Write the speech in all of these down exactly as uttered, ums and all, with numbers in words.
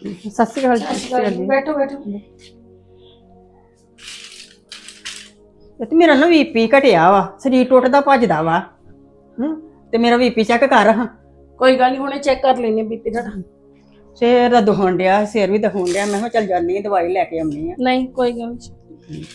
ਸਤਿ ਸ਼੍ਰੀ ਅਕਾਲ ਜੀ। ਬੈਠੋ ਬੈਠੋ। ਤੇ ਮੇਰਾ ਨਾ ਵੀਪੀ ਘਟਿਆ ਵਾ, ਸਰੀਰ ਟੁੱਟਦਾ ਭੱਜਦਾ ਵਾ। ਹੂੰ ਤੇ ਮੇਰਾ ਵੀਪੀ ਚੈੱਕ ਕਰ ਹਾਂ। ਕੋਈ ਗੱਲ ਨਹੀਂ, ਹੁਣੇ ਚੈੱਕ ਕਰ ਲੈਨੇ ਬੀਪੀ ਦਾ। ਸਿਰ ਦਾ ਦੁਖਣ ਡਿਆ, ਸਿਰ ਵੀ ਦੁਖਣ ਡਿਆ। ਮੈਂ ਕਿਹਾ ਚੱਲ ਜਾਂਦੀ ਆ, ਦਵਾਈ ਲੈ ਕੇ ਆਉਣੀ ਆ। ਨਹੀਂ ਕੋਈ ਗੱਲ ਨਹੀਂ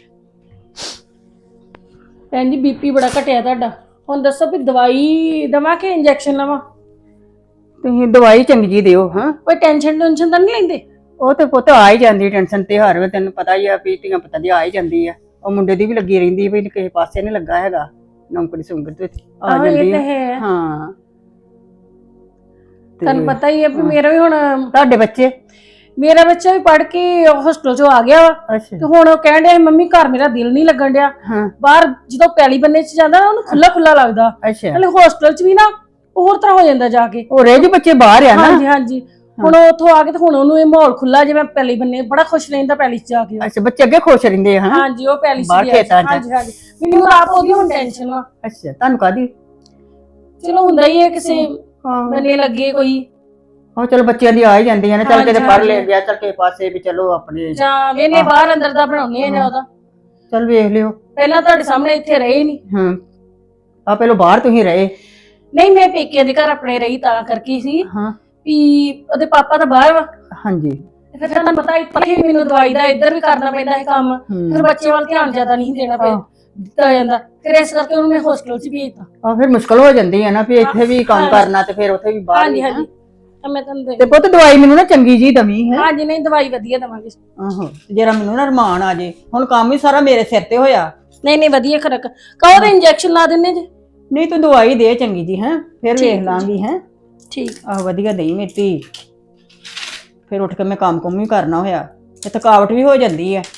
ਭੈਣ ਜੀ, ਬੀਪੀ ਬੜਾ ਘਟਿਆ ਤੁਹਾਡਾ। ਹੁਣ ਦੱਸੋ ਵੀ ਦਵਾਈ ਦਵਾਂ ਕਿ ਇੰਜੈਕਸ਼ਨ ਲਵਾਂ? ਤੁਸੀਂ ਦਵਾਈ ਚੰਗੀ ਜੀ ਦਿਓ। ਹਾਂ, ਕੋਈ ਟੈਨਸ਼ਨ ਟੈਨਸ਼ਨ ਤਾਂ ਨਹੀਂ ਲੈਂਦੇ? ਉਹ ਤੇ ਪੁੱਤ ਆ ਹੀ ਜਾਂਦੀ ਟੈਨਸ਼ਨ ਤੇ ਹਰ ਵੇ, ਤੈਨੂੰ ਪਤਾ ਹੀ ਆ ਵੀ ਧੀਆਂ ਪੁੱਤਾਂ ਦੀ ਆ ਹੀ ਜਾਂਦੀ ਆ। ਉਹ ਮੁੰਡੇ ਦੀ ਵੀ ਲੱਗੀ ਰਹਿੰਦੀ ਵੀ ਕਿਸੇ ਪਾਸੇ ਨਹੀਂ ਲੱਗਾ ਹੈਗਾ, ਨੌਕਰੀ ਸੁੰਗਰ ਤੇ ਆ ਜਾਂਦੀ ਆ। ਹਾਂ, ਤੁਹਾਨੂੰ ਪਤਾ ਹੀ ਹੈ ਵੀ ਮੇਰਾ ਵੀ ਹੁਣ ਤੁਹਾਡੇ ਬੱਚੇ, ਮੇਰਾ ਬੱਚਾ ਵੀ ਪੜ੍ਹ ਕੇ ਹੋਸਟਲ ਚੋਂ ਆ ਗਿਆ ਵਾ ਤੇ ਹੁਣ ਉਹ ਕਹਿਣ ਡਿਆ ਮੰਮੀ ਘਰ ਮੇਰਾ ਦਿਲ ਨਹੀਂ ਲੱਗਣ ਡਿਆ। ਬਾਹਰ ਜਦੋਂ ਪੈਲੀ ਬੰਨੇ ਚ ਜਾਂਦਾ ਨਾ ਉਹਨੂੰ ਖੁੱਲਾ ਖੁੱਲਾ ਲੱਗਦਾ, ਨਾਲੇ ਹੋਸਟਲ ਚ ਵੀ ਨਾ ਹੋਰ ਤਰ੍ਹਾਂ ਹੋ ਜਾਂਦਾ ਜਾ ਕੇ। ਉਹ ਰਹਿ ਜੀ ਬੱਚੇ ਬਾਹਰ ਆ ਨਾ। ਹਾਂਜੀ ਹਾਂਜੀ, ਹੁਣ ਉੱਥੋਂ ਆ ਕੇ ਤੇ ਹੁਣ ਉਹਨੂੰ ਇਹ ਮਾਹੌਲ ਖੁੱਲਾ ਜਿਵੇਂ ਪੈਲੀ ਬੰਨੇ ਬੜਾ ਖੁਸ਼ ਰਹਿੰਦਾ ਪੈਲੀ ਚ ਜਾ ਕੇ। ਅੱਛਾ, ਬੱਚੇ ਅੱਗੇ ਖੁਸ਼ ਰਹਿੰਦੇ ਆ? ਹਾਂਜੀ, ਉਹ ਪੈਲੀ ਚ ਹਾਂਜੀ ਹਾਂਜੀ, ਮੈਨੂੰ ਆਪ ਉਹਦੀ ਹੁਣ ਟੈਨਸ਼ਨ ਵਾ। ਅੱਛਾ, ਤੁਹਾਨੂੰ ਕਾਹਦੀ? ਚਲੋ ਹੁੰਦਾ ਹੀ ਹੈ ਕਿਸੇ ਬੰਨੇ ਲੱਗੇ ਕੋਈ। ਹਾਂ ਚਲੋ, ਬੱਚਿਆਂ ਦੀ ਆ ਹੀ ਜਾਂਦੀਆਂ ਨੇ। ਚੱਲ ਕਿਤੇ ਪੜ੍ਹ ਲੈ ਗਿਆ, ਚੱਲ ਕਿਸੇ ਪਾਸੇ ਵੀ ਚਲੋ ਆਪਣੇ ਜਾਂ ਵੇਨੇ ਬਾਹਰ ਅੰਦਰ ਦਾ ਬਣਾਉਣੇ ਆ ਜਾਂ ਉਹਦਾ। ਚੱਲ ਵੇਖ ਲਿਓ। ਪਹਿਲਾਂ ਤੁਹਾਡੇ ਸਾਹਮਣੇ ਇੱਥੇ ਰਹੇ ਨਹੀਂ। ਹਾਂ, ਆ ਪਹਿਲਾਂ ਬਾਹਰ ਤੁਸੀਂ ਰਹੇ? ਨਹੀਂ, ਮੈਂ ਪੇਕਿਆਂ ਦੇ ਘਰ ਆਪਣੇ ਰਹੀ ਤਾਂ ਕਰਕੇ ਸੀ। ਹਾਂ, ਵੀ ਉਹਦੇ ਪਾਪਾ ਤਾਂ ਬਾਹਰ ਵਾ। ਹਾਂਜੀ। ਫਿਰ ਤੁਹਾਨੂੰ ਪਤਾ ਇੱਥੇ ਵੀ ਮੈਨੂੰ ਦਵਾਈ ਦਾ ਇੱਧਰ ਵੀ ਕਰਨਾ ਪੈਂਦਾ ਹੈ ਕੰਮ, ਫਿਰ ਬੱਚੇ ਵੱਲ ਧਿਆਨ ਜ਼ਿਆਦਾ ਨਹੀਂ ਦੇਣਾ ਪਿਆ ਦਿੱਤਾ ਜਾਂਦਾ, ਫਿਰ ਇਸ ਕਰਕੇ ਉਹਨੂੰ ਮੈਂ ਹੋਸਟਲ 'ਚ ਭੇਜਤਾ। ਆ ਫਿਰ ਮੁਸ਼ਕਲ ਹੋ ਜਾਂਦੀ ਹੈ ਨਾ ਵੀ ਇੱਥੇ ਵੀ ਕੰਮ ਕਰਨਾ ਤੇ ਫਿਰ ਉੱਥੇ ਵੀ ਬਾਹਰ। ਹਾਂਜੀ ਹਾਂਜੀ, ਮੈਂ ਤੁਹਾਨੂੰ ਤੇ ਪੁੱਤ ਦਵਾਈ ਮੈਨੂੰ ਨਾ ਚੰਗੀ ਜੀ ਦਵੀਂ ਹੈ। ਹਾਂਜੀ, ਨਹੀਂ ਦਵਾਈ ਵਧੀਆ ਦਵਾਂਗੇ। ਆਹੋ, ਜਰਾ ਮੈਨੂੰ ਨਾ ਰਮਾਨ ਆ ਜੇ। ਹੁਣ ਕੰਮ ਹੀ ਸਾਰਾ ਮੇਰੇ ਸਿਰ ਤੇ ਹੋਇਆ। ਨਹੀਂ ਨਹੀਂ, ਵਧੀਆ ਖਰਕ ਕਹੋ ਤਾਂ ਇੰਜੈਕਸ਼ਨ ਲਾ ਦਿੰਨੇ ਜੇ। ਨਹੀਂ, ਤੂੰ ਦਵਾਈ ਦੇ ਚੰਗੀ ਜੀ। ਹੈ ਫਿਰ ਵੇਖ ਲਾਂਗੀ। ਹੈ ਠੀਕ। ਆਹ ਵਧੀਆ ਦੇਈ ਮੇਰੀ, ਫਿਰ ਉੱਠ ਕੇ ਮੈਂ ਕੰਮ ਕੁੰਮ ਵੀ ਕਰਨਾ ਹੋਇਆ ਤੇ ਥਕਾਵਟ ਵੀ ਹੋ ਜਾਂਦੀ ਹੈ।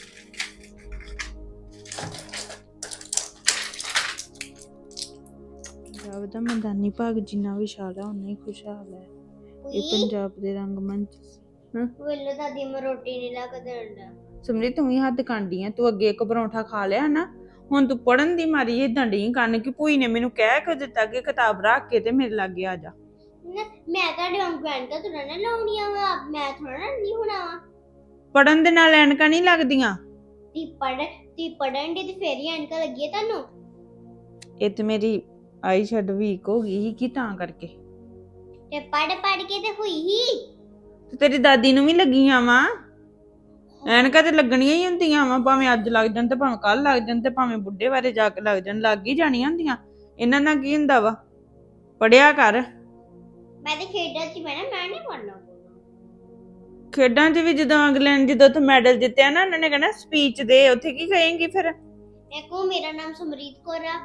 ਪੰਜਾਬ ਦਾ ਮੈਦਾਨੀ ਭਾਗ ਜਿੰਨਾ ਵਿਸ਼ਾਲ ਹੈ ਉਨਾ ਹੀ ਖੁਸ਼ਹਾਲ ਹੈ। ਇਹ ਪੰਜਾਬ ਦੇ ਰੰਗਮੰਚ। ਵੇਲੇ ਦਾਦੀ ਮੈਂ ਰੋਟੀ ਨਹੀਂ ਲਾ ਕੇ ਦੇਣਾ। ਸਮਝੀ ਤੂੰ ਹੀ ਹੱਦ ਕਾਂਡੀ ਆ। ਤੂੰ ਅੱਗੇ ਇੱਕ ਪਰੌਂਠਾ ਖਾ ਲਿਆ ਨਾ, ਹੁਣ ਤੂੰ ਪੜਨ ਦੀ ਮਾਰੀ ਏਦਾਂ ਡਈ ਕੰਨ ਕਿ ਭੂਈ ਨੇ ਮੈਨੂੰ ਕਹਿ ਕੇ ਦਿੱਤਾ ਕਿ ਕਿਤਾਬ ਰੱਖ ਕੇ ਤੇ ਮੇਰੇ ਲਾਗੇ ਆ ਜਾ। ਮੈਂ ਤੁਹਾਡੇ ਵਾਂਗ ਐਨਕਾਂ ਥੋੜਾ ਨਾ ਲਾਉਣੀਆਂ ਵਾ, ਮੈਂ ਥੋੜਾ ਨਾ ਨਹੀਂ ਹੋਣਾ ਵਾ। ਪੜਨ ਦੇ ਨਾਲ ਐਨਕਾਂ ਨਹੀਂ ਲੱਗਦੀਆਂ। ਤੀ ਪੜ ਤੀ ਪੜਨ ਦੀ ਤੇ ਫੇਰ ਹੀ ਐਨਕਾਂ ਲੱਗੀ ਤੁਹਾਨੂੰ। ਇਹ ਤੇ ਮੇਰੀ ਆਈ ਸ਼ੈਡ ਵੀਕ ਹੋ ਗਈ ਸੀ ਕਿ ਤਾਂ ਕਰਕੇ। ਤੇ ਪੜ ਪੜ ਕੇ ਤੇ ਹੋਈ ਹੀ। ਤੇ ਤੇਰੀ ਦਾਦੀ ਨੂੰ ਵੀ ਲੱਗੀਆਂ ਵਾ ਐਨਕਾਂ, ਤੇ ਲੱਗਣੀਆਂ ਹੀ ਹੁੰਦੀਆਂ ਵਾ, ਭਾਵੇਂ ਅੱਜ ਲੱਗ ਜਾਣ ਤੇ ਭਾਵੇਂ ਕੱਲ ਲੱਗ ਜਾਣ ਤੇ ਭਾਵੇਂ ਬੁੱਢੇ ਬਾਰੇ ਜਾ ਕੇ ਲੱਗ ਜਾਣ, ਲੱਗ ਹੀ ਜਾਣੀਆਂ ਹੁੰਦੀਆਂ। ਇਹਨਾਂ ਨਾਲ ਕੀ ਹੁੰਦਾ ਵਾ, ਪੜਿਆ ਕਰ। ਮੈਂ ਤੇ ਖੇਡਾਂ 'ਚ ਮੈਂ ਨਾ ਮੈਂ ਨਹੀਂ ਪੜਨਾ। ਖੇਡਾਂ 'ਚ ਵੀ ਜਦੋਂ ਅਗਲੇ ਨੇ ਜਦੋਂ ਉੱਥੇ ਮੈਡਲ ਜਿੱਤਿਆ ਨਾ, ਉਹਨਾਂ ਨੇ ਕਹਿਣਾ ਸਪੀਚ ਦੇ, ਉੱਥੇ ਕੀ ਕਹੇਂਗੀ ਫਿਰ? ਦੇਖੋ ਮੇਰਾ ਨਾਮ ਸਮਰੀਤ ਕੌਰ ਆ।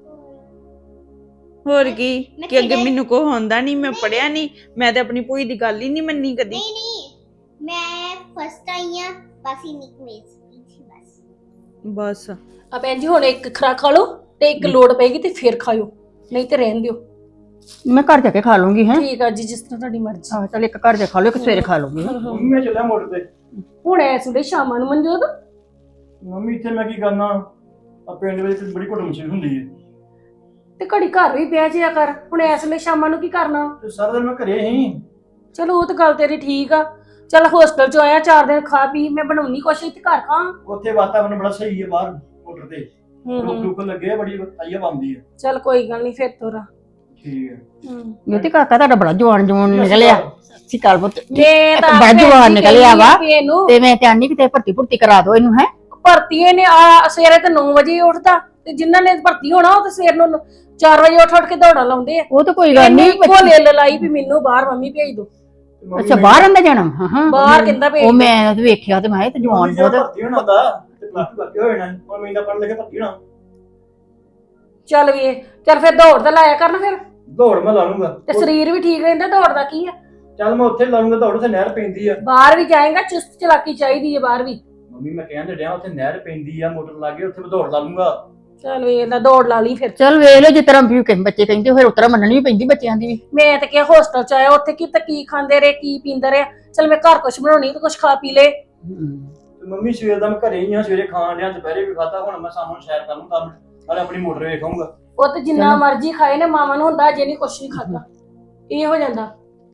ਹੋਰ ਕੀ ਕਿ ਅੱਗੇ ਮੈਨੂੰ ਕੋ ਹੁੰਦਾ ਨਹੀਂ, ਮੈਂ ਪੜਿਆ ਨਹੀਂ, ਮੈਂ ਤੇ ਆਪਣੀ ਭੂਈ ਦੀ ਗੱਲ ਹੀ ਨਹੀਂ ਮੰਨੀ ਕਦੀ। ਨਹੀਂ ਨਹੀਂ, ਮੈਂ ਫਸਟ ਆਈ ਆ ਬਸ ਹੀ ਨਿਕਲੇ ਸਪੀਚ ਬਸ ਬਸ। ਆ ਭੈਣ ਜੀ, ਹੁਣ ਇੱਕ ਖਰਾ ਖਾ ਲਓ ਤੇ ਇੱਕ ਲੋੜ ਪੈਗੀ ਤੇ ਫਿਰ ਖਾਇਓ, ਨਹੀਂ ਤੇ ਰਹਿਣ ਦਿਓ। ਮੈਂ ਘਰ ਜਾ ਕੇ ਖਾ ਲੂੰਗੀ। ਹੈ ਠੀਕ ਆ ਜੀ, ਜਿਸ ਤਰ੍ਹਾਂ ਤੁਹਾਡੀ ਮਰਜ਼ੀ। ਆਹ ਚੱਲ ਇੱਕ ਘਰ ਜਾ ਖਾ ਲਓ, ਇੱਕ ਸਵੇਰੇ ਖਾ ਲੂੰਗੀ। ਮੰਮੀ ਮੈਂ ਚੱਲਿਆ ਮੋਟਰ ਤੇ। ਹੁਣ ਐਸ ਵੇਲੇ ਸ਼ਾਮਾਂ ਨੂੰ ਮਨਜੋਤ? ਮੰਮੀ ਇੱਥੇ ਮੈਂ ਕੀ ਕਰਨਾ, ਆ ਪਿੰਡ ਵਿੱਚ ਬੜੀ ਘੁੱਟ ਮਸ਼ੀਨ ਹੁੰਦੀ ਹੈ ਤੇ ਘੜੀ ਘਰ ਵੀ ਪਿਆ ਜਿਆ ਕਰ। ਹੁਣ ਐਸ ਵੇਲੇ ਸ਼ਾਮਾਂ ਨੂੰ ਕੀ ਕਰਨਾ? ਤੇ ਸਾਰਾ ਦਿਨ ਮੈਂ ਘਰੇ ਹੀ। ਚਲੋ ਉਹ ਤਾਂ ਗੱਲ ਤੇਰੀ ਠੀਕ ਆ। ਚੱਲ ਹੋਸਟਲ ਚ ਆਇਆ, ਚਾਰ ਦਿਨ ਖਾ ਪੀ, ਮੈਂ ਬਣਾਉਣੀ ਕੁਛ ਇੱਥੇ ਘਰ ਖਾਂ। ਉੱਥੇ ਵਾਤਾਵਰਨ ਬੜਾ ਸਹੀ ਹੈ ਬਾਹਰ ਮੋਟਰ ਤੇ, ਰੁਕ ਰੁਕ ਲੱਗੇ ਆ, ਬੜੀ ਆਈਆ ਬੰਦੀ ਹੈ। ਚੱਲ ਕੋਈ ਗੱਲ ਨਹੀਂ, ਫਿਰ ਤੋਰਾ। ਠੀਕ ਹੈ। ਹੂੰ, ਤੇ ਕਾਕਾ ਤੁਹਾਡਾ ਬੜਾ ਜਵਾਨ ਜਵਾਨ ਨਿਕਲਿਆ। ਸਿਕਾਲ ਪੁੱਤ ਮੈਂ ਤਾਂ ਬੜਾ ਜਵਾਨ ਨਿਕਲਿਆ ਵਾ ਇਹਨੂੰ ਤੇ ਮੈਂ ਤੇ ਆਨੀ ਕਿਤੇ ਭਰਤੀ ਭੁਰਤੀ ਕਰਾ ਦੋ ਇਹਨੂੰ। ਹੈ ਭਰਤੀ ਇਹਨੇ ਆ ਸਵੇਰੇ ਤੇ ਨੌ ਵਜੇ ਉੱਠਦਾ, ਤੇ ਜਿਨ੍ਹਾਂ ਨੇ ਭਰਤੀ ਹੋਣਾ ਉਹ ਤੇ ਸਵੇਰ ਨੂੰ ਚਾਰ ਵਜੇ ਉੱਠ ਉੱਠ ਕੇ ਦੌੜਾਂ ਲਾਉਂਦੇ ਆ। ਉਹ ਤਾਂ ਕੋਈ ਗੱਲ ਨਹੀਂ, ਇੱਕੋ ਲਿਲ ਲਾਈ ਵੀ ਮੈਨੂੰ ਬਾਹਰ ਮੰਮੀ ਭੇਜ ਦੋ। ਅੱਛਾ, ਬਾਹਰ ਆਂਦਾ ਜਾਣਾ? ਹਾਂ ਹਾਂ, ਬਾਹਰ ਕਹਿੰਦਾ ਭੇਜ। ਉਹ ਮੈਂ ਵੇਖਿਆ ਤੇ ਮੈਂ ਤੇ ਜਵਾਨ ਬਹੁਤ ਭਰਤੀ ਹੋਣਾ ਹੁੰਦਾ ਤੇ ਪਲੱਸ ਟੂ ਕਰਕੇ ਹੋ ਜਾਣਾ, ਹੁਣ ਮੈਂ ਇੰਨਾ ਪੜ੍ਹ ਲਿਆ ਭਰਤੀ ਹੋਣਾ। ਚੱਲ ਵੀ ਚੱਲ ਫਿਰ ਦੌੜ ਤਾਂ ਲਾਇਆ ਕਰਨ ਫਿਰ, ਦੌੜ ਮੈਂ ਲਾ ਲੂੰਗਾ ਤੇ ਸਰੀਰ ਵੀ ਠੀਕ ਰਹਿੰਦਾ। ਦੌੜਦਾ ਕੀ ਆ, ਚੱਲ ਮੈਂ ਉੱਥੇ ਲਾ ਲੂੰਗਾ ਦੌੜ, ਉੱਥੇ ਨਹਿਰ ਪੈਂਦੀ ਆ। ਬਾਹਰ ਵੀ ਜਾਏਗਾ, ਚੁਸਤ ਚਲਾਕੀ ਚਾਹੀਦੀ ਹੈ ਬਾਹਰ ਵੀ। ਮੰਮੀ ਮੈਂ ਕਹਿਣ ਤੇ ਡਿਆ, ਉੱਥੇ ਨਹਿਰ ਪੈਂਦੀ ਆ, ਮੋਟਰ ਲਾ ਕੇ ਉੱਥੇ ਮੈਂ ਦੌੜ ਲਾ ਲੂੰਗਾ। ਚੱਲ ਵੇਖ ਲੈ, ਦੌੜ ਲਾ ਲਈ ਫਿਰ। ਚੱਲ ਵੇਖ ਲਓ, ਜਿਸ ਤਰ੍ਹਾਂ ਵੀ ਬੱਚੇ ਕਹਿੰਦੇ ਫਿਰ ਉਤਰਾ ਮੰਨਣੀ ਵੀ ਪੈਂਦੀ ਬੱਚਿਆਂ ਦੀ ਵੀ। ਮੈਂ ਤਾਂ ਕਿਹਾ ਹੋਸਟਲ ਚ ਆਇਆ, ਉੱਥੇ ਕੀ ਕੀ ਖਾਂਦੇ ਰਹੇ, ਕੀ ਪੀਂਦੇ ਰਹੇ। ਚੱਲ ਮੈਂ ਘਰ ਕੁਛ ਬਣਾਉਣੀ ਤੇ ਕੁਛ ਖਾ ਪੀ ਲੇ। ਤੇ ਮੰਮੀ ਸਵੇਰ ਦਾ ਮੈਂ ਘਰੇ ਹੀ ਆ, ਸਵੇਰੇ ਖਾਣ ਡਿਆ, ਦੁਪਹਿਰੇ ਵੀ ਖਾਧਾ, ਹੁਣ ਮੈਂ ਸ਼ਾਮ ਨੂੰ ਸੈਰ ਕਰ ਲੂੰ ਕੰਮ, ਨਾਲੇ ਆਪਣੀ ਮੋਟਰ ਵੇਖਾਂਗਾ। ਉਹ ਤੇ ਜਿੰਨਾ ਮਰਜ਼ੀ ਖਾਏ ਨੇ, ਮਾਵਾਂ ਨੂੰ ਹੁੰਦਾ ਜੇ ਨਹੀਂ ਕੁਛ ਨਹੀਂ ਖਾਦਾ, ਇਹ ਹੋ ਜਾਂਦਾ।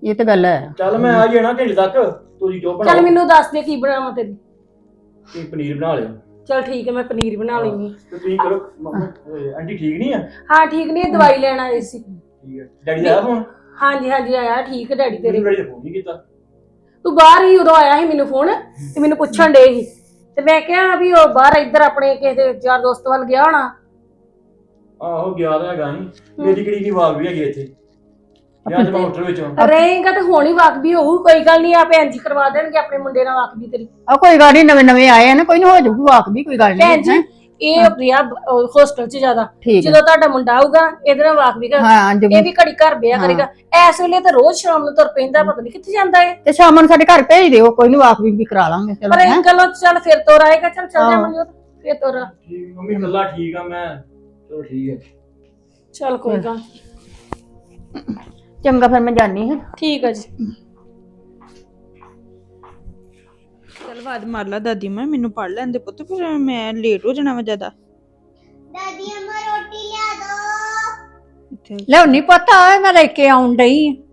ਇਹ ਤਾਂ ਗੱਲ ਹੈ। ਚੱਲ ਮੈਂ ਆ ਜਾਣਾ ਘੰਟੇ ਤੱਕ, ਤੁਸੀਂ ਜੋ ਚੱਲ ਬਣਾਓ। ਮੈਨੂੰ ਦੱਸ ਦੇ ਕੀ ਬਣਾਵਾਂ ਤੇਰੀ। ਤੁਸੀਂ ਪਨੀਰ ਬਣਾ ਲਿਓ ਚੱਲ ਠੀਕ ਹੈ, ਮੈਂ ਪਨੀਰ ਬਣਾ ਲੈਣੀ। ਤੇ ਤੁਸੀਂ ਕਰੋ ਮੰਮਾ, ਓਏ, ਆਂਟੀ ਠੀਕ ਨਹੀਂ ਆ? ਹਾਂ ਠੀਕ ਨਹੀਂ, ਦਵਾਈ ਲੈਣ ਆਏ ਸੀ। ਠੀਕ ਹੈ। ਡੈਡੀ ਦਾ ਫੋਨ? ਹਾਂਜੀ ਹਾਂਜੀ ਆਇਆ, ਠੀਕ ਹੈ ਡੈਡੀ ਤੇਰੇ। ਡੈਡੀ ਨੇ ਫੋਨ ਨਹੀਂ ਕੀਤਾ। ਤੂੰ ਬਾਹਰ ਹੀ ਉਦੋਂ ਆਇਆ ਸੀ ਮੈਨੂੰ ਫੋਨ ਤੇ ਮੈਨੂੰ ਪੁੱਛਣ ਡੇ ਸੀ ਤੇ ਮੈਂ ਕਿਹਾ ਵੀ ਉਹ ਬਾਹਰ ਇੱਧਰ ਆਪਣੇ ਕਿਸੇ ਦੇ ਯਾਰ ਦੋਸਤ ਵੱਲ ਗਿਆ ਹੋਣਾ। ਆਹੋ ਗਿਆ ਤਾਂ ਹੈਗਾ ਨਹੀਂ, ਮੇਰੀ ਕਿਹੜੀ ਨਹੀਂ ਵਾਗ ਵੀ ਹੈਗੀ ਇੱਥੇ ਜਾਂ ਤੇ ਮੈਂ ਹੋਟਲ ਵਿੱਚ ਹਾਂ। ਰਹੇਗਾ ਤੇ ਹੁਣ ਹੀ ਵਾਕਬੀ ਹੋਊ, ਕੋਈ ਗੱਲ ਨਹੀਂ, ਆ ਭੈਣ ਜੀ ਕਰਵਾ ਦੇਣਗੇ ਆਪਣੇ ਮੁੰਡੇ ਨਾਲ ਵਾਕਬੀ ਤੇਰੀ। ਆ ਕੋਈ ਗੱਲ ਨਹੀਂ, ਨਵੇਂ ਨਵੇਂ ਆਏ ਆ ਨਾ, ਕੋਈ ਨਾ ਹੋ ਜਾਊਗੀ ਵਾਕ ਵੀ, ਕੋਈ ਗੱਲ ਭੈਣ ਜੀ ਨਹੀਂ। ਇਹ ਪ੍ਰਿਆ ਹੋਸਟਲ 'ਚ ਜ਼ਿਆਦਾ, ਠੀਕ ਹੈ। ਜਦੋਂ ਤੁਹਾਡਾ ਮੁੰਡਾ ਆਊਗਾ ਇਹਦੇ ਨਾਲ ਵਾਕਬੀ ਕਰ, ਹਾਂ ਜੋ ਇਹ ਵੀ ਘੜੀ ਘਰ ਬਿਆ ਕਰੇਗਾ। ਇਸ ਵੇਲੇ ਤਾਂ ਰੋਜ਼ ਸ਼ਾਮ ਨੂੰ ਤੁਰ ਪੈਂਦਾ, ਪਤਾ ਨਹੀਂ ਕਿੱਥੇ ਜਾਂਦਾ ਏ। ਤੇ ਸ਼ਾਮ ਨੂੰ ਸਾਡੇ ਘਰ ਭੇਜ ਦਿਓ, ਕੋਈ ਨਹੀਂ ਵਾਕ ਵੀ ਕਰਾ ਲਾਂਗੇ। ਚਲੋ ਪਰ ਹੈਂ। ਇਹ ਗੱਲੋਂ ਚੱਲ ਫਿਰ ਤੋਰ ਆਏਗਾ, ਚੱਲ ਚੱਲ ਜਾਵਾਂਗੇ ਫਿਰ ਤੋਰ। ਠੀਕ ਮੰਮੀ, ਗੱਲਾਂ ਠੀਕ ਆ ਮੈਂ, ਚਲੋ ਠੀਕ ਹੈ। ਚੱਲ ਕੋਈ ਗੱਲ ਚੰਗਾ ਫਿਰ ਮੈਂ ਜਾਣੀ ਹਾਂ। ਠੀਕ ਹੈ ਜੀ। ਚੱਲ ਬਾਦ ਮਾਰ ਲਾ ਦਾਦੀ ਮੈਂ, ਮੈਨੂੰ ਪੜ ਲੈਂਦੇ ਪੁੱਤ, ਫਿਰ ਮੈਂ ਲੇਟ ਹੋ ਜਾਣਾ ਵਾ ਜ਼ਿਆਦਾ। ਦਾਦੀ ਅੰਮਾ ਰੋਟੀ ਲਿਆ ਦੋ। ਇੱਥੇ ਲਿਆਉਣੀ ਪਤਾ ਓਏ, ਮੈਂ ਲੈ ਕੇ ਆਉਣ ਡਈ ਆਂ।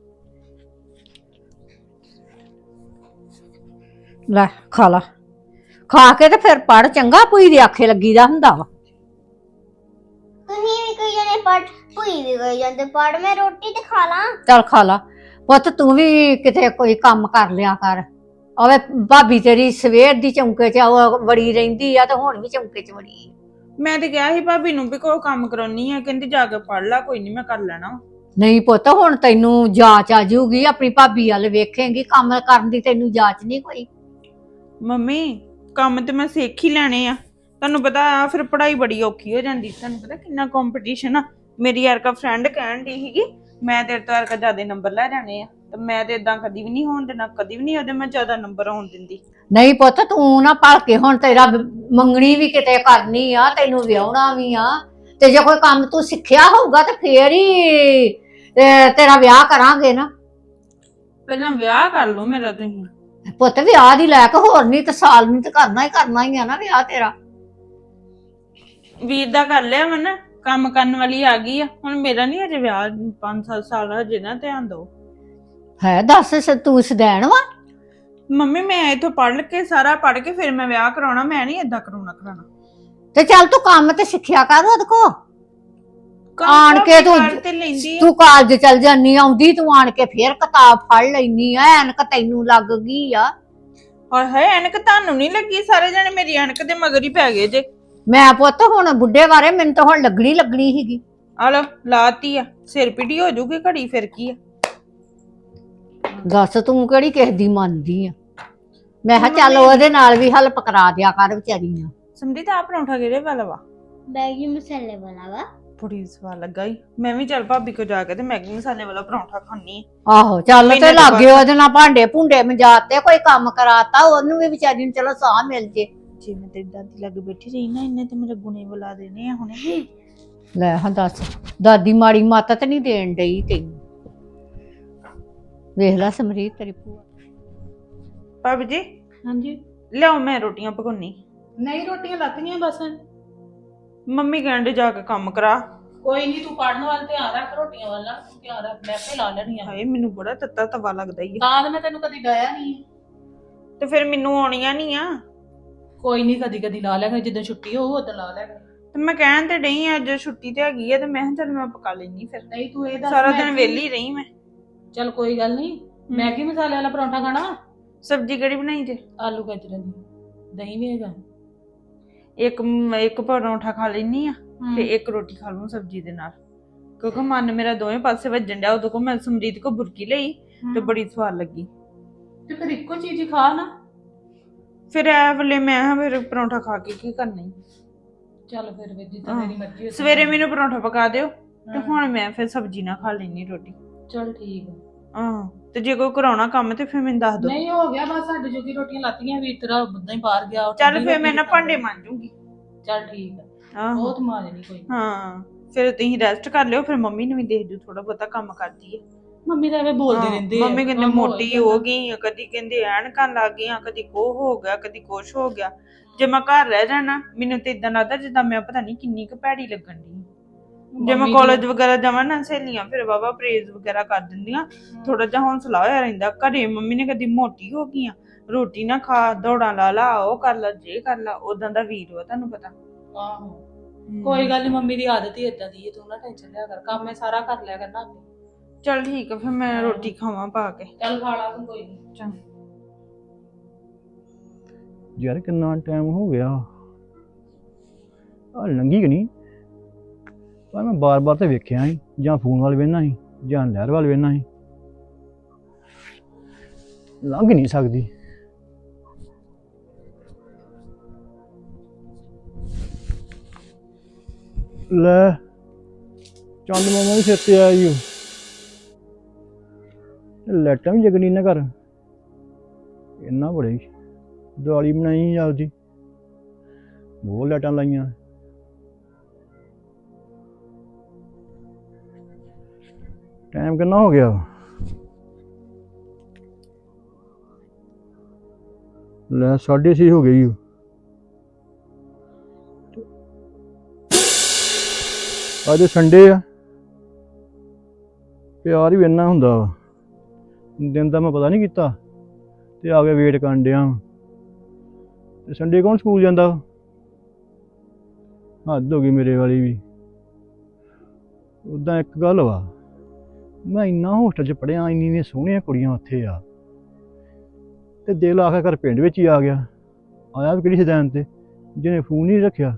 ਲੈ ਖਾ ਲਾ, ਖਾ ਕੇ ਤੇ ਫਿਰ ਪੜ, ਚੰਗਾ ਭੂਈ ਦੀ ਆਖੇ ਲੱਗੀਦਾ ਹੁੰਦਾ ਵਾ। ਤੁਸੀਂ ਵੀ ਕੋਈ ਜਣੇ ਪੜ, ਭੂਈ ਵੀ ਕੋਈ ਜਾਂਦੇ ਪੜ, ਮੈਂ ਰੋਟੀ ਤੇ ਖਾ ਲਾਂ। ਚੱਲ ਖਾ ਲਾ ਪੁੱਤ, ਤੂੰ ਵੀ ਕਿਤੇ ਕੋਈ ਕੰਮ ਕਰ ਲਿਆ ਕਰ। ਓਏ ਭਾਬੀ ਤੇਰੀ ਸਵੇਰ ਦੀ ਚੌਂਕੇ 'ਚ ਉਹ ਵੜੀ ਰਹਿੰਦੀ ਆ ਤੇ ਹੁਣ ਵੀ ਚੌਂਕੇ 'ਚ ਵੜੀ ਆ। ਮੈਂ ਤੇ ਕਿਹਾ ਸੀ ਭਾਬੀ ਨੂੰ ਵੀ ਕੋਈ ਕੰਮ ਕਰਾਉਣੀ ਆ, ਕਹਿੰਦੀ ਜਾ ਕੇ ਪੜ ਲਾ, ਕੋਈ ਨਹੀਂ ਮੈਂ ਕਰ ਲੈਣਾ। ਨਹੀਂ ਪੁੱਤ, ਹੁਣ ਤੈਨੂੰ ਜਾਚ ਆ ਜਾਊਗੀ, ਆਪਣੀ ਭਾਬੀ ਵੱਲ ਵੇਖੇਂਗੀ, ਕੰਮ ਕਰਨ ਦੀ ਤੈਨੂੰ ਜਾਚ ਨਹੀਂ ਕੋਈ। ਮੰਮੀ ਕੰਮ ਤੇ ਮੈਂ ਸਿੱਖ ਹੀ ਲੈਣੇ ਆ, ਤੁਹਾਨੂੰ ਪਤਾ ਆ ਫਿਰ ਪੜ੍ਹਾਈ ਬੜੀ ਔਖੀ ਹੋ ਜਾਂਦੀ। ਤੁਹਾਨੂੰ ਪਤਾ ਕਿੰਨਾ ਕੰਪੀਟੀਸ਼ਨ ਆ। ਮੇਰੀ ਯਾਰ ਕਾ ਫਰੈਂਡ ਕਹਿਣ ਦੀ ਸੀਗੀ ਮੈਂ ਤੇਰੇ ਤੋਂ ਯਾਰ ਕਾ ਜ਼ਿਆਦਾ ਨੰਬਰ ਲੈ ਜਾਣੇ ਆ, ਤੇ ਮੈਂ ਤੇ ਇਦਾਂ ਕਦੀ ਵੀ ਨਹੀਂ ਹੋਣ ਦੇਣਾ, ਕਦੀ ਵੀ ਨਹੀਂ ਉਹਦੇ ਮੈਂ ਜ਼ਿਆਦਾ ਨੰਬਰ ਆਉਣ ਦਿੰਦੀ। ਨਹੀਂ ਪੁੱਤ, ਤੂੰ ਨਾ ਭਲ ਕੇ, ਹੁਣ ਤੇਰਾ ਮੰਗਣੀ ਵੀ ਕਿਤੇ ਕਰਨੀ ਆ, ਤੈਨੂੰ ਵਿਆਹਣਾ ਵੀ ਆ, ਤੇ ਜੇ ਕੋਈ ਕੰਮ ਤੂੰ ਸਿੱਖਿਆ ਹੋਊਗਾ ਤੇ ਫੇਰ ਹੀ ਤੇਰਾ ਵਿਆਹ ਕਰਾਂਗੇ ਨਾ। ਪਹਿਲਾਂ ਵਿਆਹ ਕਰ ਲਓ ਮੇਰਾ ਤੁਸੀਂ। ਪੁੱਤ ਵਿਆਹ ਦੀ ਲੈ ਕੇ ਹੋਰ ਨਹੀਂ ਤੇ ਸਾਲ ਨਹੀਂ ਤੇ ਕਰਨਾ ਹੀ ਕਰਨਾ ਹੀ ਆ ਨਾ ਵਿਆਹ ਤੇਰਾ। ਵੀਰ ਦਾ ਕਰ ਲਿਆ ਮਨ, ਕੰਮ ਕਰਨ ਵਾਲੀ ਆ ਗਈ ਆ, ਹੁਣ ਮੇਰਾ ਨਹੀਂ ਅਜੇ ਵਿਆਹ, ਪੰਜ ਸੱਤ ਸਾਲ ਹਜੇ ਨਾ ਧਿਆਨ ਦਿਓ। ਹੈ ਦੱਸ, ਤੂੰ ਸਦੈਣ ਵਾ? ਮੰਮੀ ਮੈਂ ਇੱਥੋਂ ਪੜ੍ਹ ਕੇ ਸਾਰਾ ਪੜ੍ਹ ਕੇ ਫਿਰ ਮੈਂ ਵਿਆਹ ਕਰਾਉਣਾ, ਮੈਂ ਨਹੀਂ ਏਦਾਂ ਕਰਾਉਣਾ ਕਰਾਉਣਾ। ਤੇ ਚੱਲ ਤੂੰ ਕੰਮ ਤੇ ਸਿੱਖਿਆ ਕਰ ਉਹਦੇ ਕੋ। ਆਣ ਕੇ ਤੂੰ ਤੇ ਲੈਂਦੀ ਆ। ਤੂੰ ਕਾਲਜ ਚਲ ਜਾਨੀ, ਆਉਂਦੀ ਤੂੰ ਆਣ ਕੇ ਫੇਰ ਕਿਤਾਬ ਫੜ ਲੈਨੀ ਆ, ਐਨਕ ਤੈਨੂੰ ਲੱਗ ਗਈ ਆ। ਹਾਏ ਹਾਏ, ਐਨਕ ਤੁਹਾਨੂੰ ਨਹੀਂ ਲੱਗੀ? ਸਾਰੇ ਜਣੇ ਮੇਰੀ ਐਨਕ ਦੇ ਮਗਰ ਹੀ ਪੈ ਗਏ ਜੇ। ਮੈਂ ਪੁੱਤ ਹੁਣ ਬੁੱਢੇ ਬਾਰੇ ਮੈਨੂੰ ਤਾਂ ਹੁਣ ਲੱਗਣੀ ਲੱਗਣੀ ਸੀਗੀ। ਆ ਲੋ ਲਾਤੀ ਆ, ਸਿਰ ਪੀੜੀ ਹੋ ਜੂਗੀ ਘੜੀ, ਫਿਰ ਕੀ ਆ। ਦੱਸ ਤੂੰ ਕਿਹੜੀ ਕਿਸੇ ਦੀ ਮੰਨਦੀ ਆ? ਮੈਂ ਕਿਹਾ ਚੱਲ ਉਹਦੇ ਨਾਲ ਵੀ ਹੈਲਪ ਕਰਾ ਦਿਆ ਕਰ ਵਿਚਾਰੀ ਨਾਲ। ਸਮਝੀ ਤਾਂ ਆ ਪਰੌਂਠਾ ਕਿਹੜੇ ਵਾਲਾ ਵਾ? ਮੈਗੀ ਮਸਾਲੇ ਵਾਲਾ ਵਾ। ਬੜੀ ਸਵਾਦ ਲੱਗਾ ਈ। ਮੈਂ ਵੀ ਚੱਲ ਭਾਬੀ ਕੋ ਜਾ ਕੇ ਤੇ ਮੈਗੀ ਮਸਾਲੇ ਵਾਲਾ ਪਰੌਂਠਾ ਖਾਣੀ। ਆਹੋ ਚੱਲ ਤੇ ਲਾਗੇ ਉਹਦੇ ਨਾਲ ਭਾਂਡੇ ਭੁੰਡੇ ਮਜਾਤੇ, ਕੋਈ ਕੰਮ ਕਰਾਤਾ, ਉਹਨੂੰ ਵੀ ਵਿਚਾਰੀ ਨੂੰ ਚਲੋ ਸਾਹ ਮਿਲ ਜੇ। ਜੇ ਮੈਂ ਤੇਰੀ ਦਾਦੀ ਲੱਗ ਬੈਠੀ ਰਹੀ ਨਾ, ਇਹਨੇ ਤੇ ਮੇਰੇ ਗੁਣੇ ਬੁਲਾ ਦੇਣੇ ਆ ਹੁਣੇ। ਲੈ ਹਾਂ ਦੱਸ, ਦਾਦੀ ਮਾੜੀ ਮਾਤਾ ਤੇ ਨਹੀਂ ਦੇਣ ਡਈ ਤੈਨੂੰ। ਵੇਖ ਲੈ ਸਮਰੀਤ ਤੇਰੀ ਭੂਆ। ਭਾਬੀ ਜੀ ਹਾਂਜੀ। ਲਿਆਓ ਮੈਂ ਰੋਟੀਆਂ ਪਕਾਉਣੀ। ਨਹੀਂ ਰੋਟੀਆਂ ਲੱਤੀਆਂ ਬਸ। ਮੰਮੀ ਕਹਿੰਦੇ ਜਾ ਕੇ ਕੰਮ ਕਰਾ। ਕੋਈ ਨਹੀਂ, ਤੂੰ ਪੜਨ ਵੱਲ ਧਿਆਨ ਰੱਖ, ਰੋਟੀਆਂ ਵੱਲ ਨਾ ਧਿਆਨ ਰੱਖ, ਮੈਂ ਆਪੇ ਲਾ ਲੈਣੀਆਂ। ਹਾਏ ਮੈਨੂੰ ਬੜਾ ਤੱਤਾ ਤਵਾ ਲੱਗਦਾ ਈ ਆ। ਤਾਂ ਮੈਂ ਤੈਨੂੰ ਕਦੀ ਡਾਇਆ ਨਹੀਂ। ਤੇ ਫਿਰ ਮੈਨੂੰ ਆਉਣੀਆਂ ਨਹੀਂ ਆ। ਕੋਈ ਨਹੀਂ, ਕਦੀ ਕਦੀ ਲਾ ਲੈਗਾ, ਜਿੱਦਾਂ ਛੁੱਟੀ ਹੋਊ ਉਦੋਂ ਲਾ ਲੈਗਾ। ਤੇ ਮੈਂ ਕਹਿਣ ਤੇ ਡਈ ਆ, ਅੱਜ ਛੁੱਟੀ ਤੇ ਹੈਗੀ ਆ, ਤੇ ਮੈਂ ਕਿਹਾ ਚੱਲ ਮੈਂ ਪਕਾ ਲੈਣੀ। ਫਿਰ ਨਹੀਂ ਤੂੰ ਇਹ ਦੱਸ, ਸਾਰਾ ਦਿਨ ਵਿਹਲੀ ਰਹੀ ਮੈਂ। ਚੱਲ ਕੋਈ ਗੱਲ ਨਹੀਂ, ਮੈਗੀ ਮਸਾਲੇ ਵਾਲਾ ਪਰੌਂਠਾ ਖਾਣਾ। ਸਬਜ਼ੀ ਕਿਹੜੀ ਬਣਾਈ ਜੇ? ਆਲੂ ਗਾਜਰਾਂ ਦੀ। ਦਹੀਂ ਵੀ ਹੈਗਾ। ਇੱਕ ਇੱਕ ਪਰੌਂਠਾ ਖਾ ਲੈਣੀ ਆ ਤੇ ਇੱਕ ਰੋਟੀ ਖਾ ਲੂੰ ਸਬਜ਼ੀ ਦੇ ਨਾਲ, ਕਿਉਂਕਿ ਮਨ ਮੇਰਾ ਦੋਵੇਂ ਪਾਸੇ ਵੱਜਣ ਡਿਆ। ਉਦੋਂ ਕੋ ਮੈਂ ਸਮਰੀਤ ਕੋ ਬੁਰਕੀ ਲਈ ਤੇ ਬੜੀ ਸਵਾਦ ਲੱਗੀ। ਤੇ ਫਿਰ ਇੱਕੋ ਚੀਜ਼ ਹੀ ਖਾ ਨਾ। ਫਿਰ ਐ ਵੇਲੇ ਮੈਂ ਹਾਂ ਫਿਰ ਪਰੌਂਠਾ ਖਾ ਕੇ ਕੀ ਕਰਨਾ ਈ। ਚੱਲ ਫਿਰ ਵੀ ਜਿੱਦਾਂ ਮੇਰੀ ਮਰਜ਼ੀ। ਸਵੇਰੇ ਮੈਨੂੰ ਪਰੌਂਠਾ ਪਕਾ ਦਿਓ ਤੇ ਹੁਣ ਮੈਂ ਫਿਰ ਸਬਜ਼ੀ ਨਾਲ ਖਾ ਲੈਣੀ ਰੋਟੀ। ਚੱਲ ਠੀਕ ਹੈ। ਆਹ ਤੇ ਜੇ ਕੋਈ ਕਰਾਉਣਾ ਕੰਮ ਤੇ ਫਿਰ ਮੈਨੂੰ ਦੱਸ ਦਿਓ। ਨਹੀਂ ਹੋ ਗਿਆ ਬਸ, ਸਾਡੇ ਜੋਗੀ ਰੋਟੀਆਂ ਲਾਤੀਆਂ, ਵੀ ਤੇਰਾ ਉਦਾਂ ਹੀ ਬਾਹਰ ਗਿਆ। ਚੱਲ ਫਿਰ ਮੈਂ ਨਾ ਭਾਂਡੇ ਮਾਂਜੂਗੀ। ਚੱਲ ਠੀਕ ਹੈ, ਆਹੋ ਬਹੁਤ ਮਾਂਜਣੀ ਕੋਈ। ਹਾਂ ਫਿਰ ਤੁਸੀਂ ਰੈਸਟ ਕਰ ਲਿਓ, ਫਿਰ ਮੰਮੀ ਨੂੰ ਵੀ ਦੇਖ ਜੂ, ਥੋੜਾ ਬਹੁਤਾ ਕੰਮ ਕਰਦੀ ਹੈ। ਮੰਮੀ ਤਾਂ ਐਵੇਂ ਬੋਲਦੇ ਰਹਿੰਦੇ ਆ। ਮੰਮੀ ਕਹਿੰਦੇ ਮੋਟੀ ਹੋ ਗਈ, ਕਦੀ ਕਹਿੰਦੇ ਐਨਕਾਂ ਲੱਗ ਗਈਆਂ, ਕਦੀ ਕੋਹ ਹੋ ਗਿਆ, ਕਦੀ ਕੁਛ ਹੋ ਗਿਆ। ਜੇ ਮੈਂ ਘਰ ਰਹਿ ਜਾਣਾ ਮੈਨੂੰ ਤੇ ਇਦਾਂ ਲੱਗਦਾ ਜਿੱਦਾਂ ਮੈਂ ਪਤਾ ਨਹੀਂ ਕਿੰਨੀ ਕੁ ਭੈੜੀ ਲੱਗਣ ਦੀ। ਜੇ ਮੈਂ ਕਾਲਜ ਵਗੈਰਾ ਜਾਵਾਂ ਨਾ ਸਹੇਲੀਆਂ ਫਿਰ ਵਾਵਾ ਪ੍ਰੇਜ਼ ਵਗੈਰਾ ਕਰ ਦਿੰਦੀਆਂ, ਥੋੜਾ ਜਿਹਾ ਹੌਸਲਾ ਹੋਇਆ ਰਹਿੰਦਾ। ਘਰੇ ਮੰਮੀ ਨੇ ਕਦੀ ਮੋਟੀ ਹੋ ਗਈ ਆ, ਰੋਟੀ ਨਾ ਖਾ, ਦੌੜਾਂ ਲਾ ਲਾ, ਉਹ ਕਰ ਲਾ, ਜੇ ਕਰ ਲਾ, ਉਦਾਂ ਦਾ ਵੀਰ ਵਾ ਤੁਹਾਨੂੰ ਪਤਾ। ਆਹੋ ਕੋਈ ਗੱਲ ਨਹੀਂ, ਮੰਮੀ ਦੀ ਆਦਤ ਹੀ ਇਦਾਂ ਦੀ ਹੈ, ਤੂੰ ਨਾ ਟੈਨਸ਼ਨ ਲਿਆ ਕਰ, ਕੰਮ ਮੈਂ ਸਾਰਾ ਕਰ ਲਿਆ ਕਰਨਾ ਆਪੇ। ਚੱਲ ਠੀਕ ਆ, ਫਿਰ ਮੈਂ ਰੋਟੀ ਖਾਵਾਂ ਪਾ ਕੇ। ਚੱਲ ਖਾ ਲਾ ਤੂੰ, ਕੋਈ ਨਹੀਂ। ਚੰਗਾ। ਯਾਰ ਕਿੰਨਾ ਟਾਈਮ ਹੋ ਗਿਆ ਆ, ਲੰਘੀ ਕਿ ਨਹੀਂ? ਪਰ ਮੈਂ ਬਾਰ-ਬਾਰ ਤੇ ਵੇਖਿਆ ਸੀ, ਜਾਂ ਫੋਨ ਵੱਲ ਵੇਖਣਾ ਸੀ ਜਾਂ ਨਹਿਰ ਵੱਲ ਵੇਖਣਾ ਸੀ, ਲੰਘ ਨਹੀਂ ਸਕਦੀ। ਲੈ ਚੰਦ ਮਾਮਾ ਵੀ ਸਿਰ ਤੇ ਆਇਆ ਜੀ, ਲਾਈਟਾਂ ਵੀ ਜਗਣੀ ਨਾ ਘਰ, ਇੰਨਾ ਬੜੇ ਦੀਵਾਲੀ ਬਣਾਈ ਆਪਦੀ, ਬਹੁਤ ਲਾਈਟਾਂ ਲਾਈਆਂ। ਟਾਈਮ ਕਿੰਨਾ ਹੋ ਗਿਆ? ਲੈ ਸਾਢੇ ਛੇ ਹੋ ਗਈ। ਅੱਜ ਸੰਡੇ ਆ, ਪਿਆਰ ਵੀ ਇੰਨਾ ਹੁੰਦਾ ਵਾ, ਦਿਨ ਦਾ ਮੈਂ ਪਤਾ ਨਹੀਂ ਕੀਤਾ ਤੇ ਆ ਕੇ ਵੇਟ ਕਰਨ ਡਿਆ। ਤੇ ਸੰਡੇ ਕੌਣ ਸਕੂਲ ਜਾਂਦਾ? ਹੱਦ ਹੋ ਗਈ ਮੇਰੇ ਵਾਲੀ ਵੀ। ਉੱਦਾਂ ਇੱਕ ਗੱਲ ਵਾ, ਮੈਂ ਇੰਨਾ ਹੋਸਟਲ 'ਚ ਪੜ੍ਹਿਆ, ਇੰਨੀ ਇੰਨੀਆਂ ਸੋਹਣੀਆਂ ਕੁੜੀਆਂ ਉੱਥੇ ਆ, ਤੇ ਦਿਲ ਆਖਿਰ ਘਰ ਪਿੰਡ ਵਿੱਚ ਹੀ ਆ ਗਿਆ। ਆਇਆ ਵੀ ਕਿਹੜੀ ਸ਼ੈਤਾਨ ਤੇ, ਜਿਹਨੇ ਫੋਨ ਨਹੀਂ ਰੱਖਿਆ।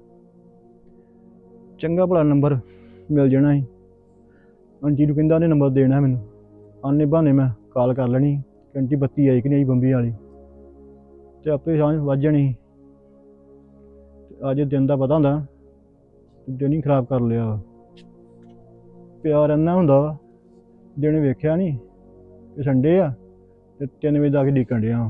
ਚੰਗਾ ਭਲਾ ਨੰਬਰ ਮਿਲ ਜਾਣਾ ਸੀ, ਆਂਟੀ ਨੂੰ ਕਹਿੰਦਾ ਉਹਨੇ ਨੰਬਰ ਦੇਣਾ ਮੈਨੂੰ, ਆਨੇ ਬਹਾਨੇ ਮੈਂ ਕਾਲ ਕਰ ਲੈਣੀ ਕਿ ਆਂਟੀ ਬੱਤੀ ਆਈ ਕਿ ਨਹੀਂ ਆਈ ਬੰਬੀ ਵਾਲੀ, ਤੇ ਆਪੇ ਸਾਂਝ ਵੱਜ ਜਾਣੀ। ਅੱਜ ਦਿਨ ਦਾ ਪਤਾ ਹੁੰਦਾ, ਦਿਨ ਹੀ ਖਰਾਬ ਕਰ ਲਿਆ ਵਾ। ਪਿਆਰ ਇੰਨਾ ਹੁੰਦਾ ਵਾ, ਦਿਨ ਵੇਖਿਆ ਨਹੀਂ ਕਿ ਸੰਡੇ ਆ ਤੇ ਤਿੰਨ ਵਜੇ ਦਾ ਕੇ ਡੀਕਣ ਡਿਆ।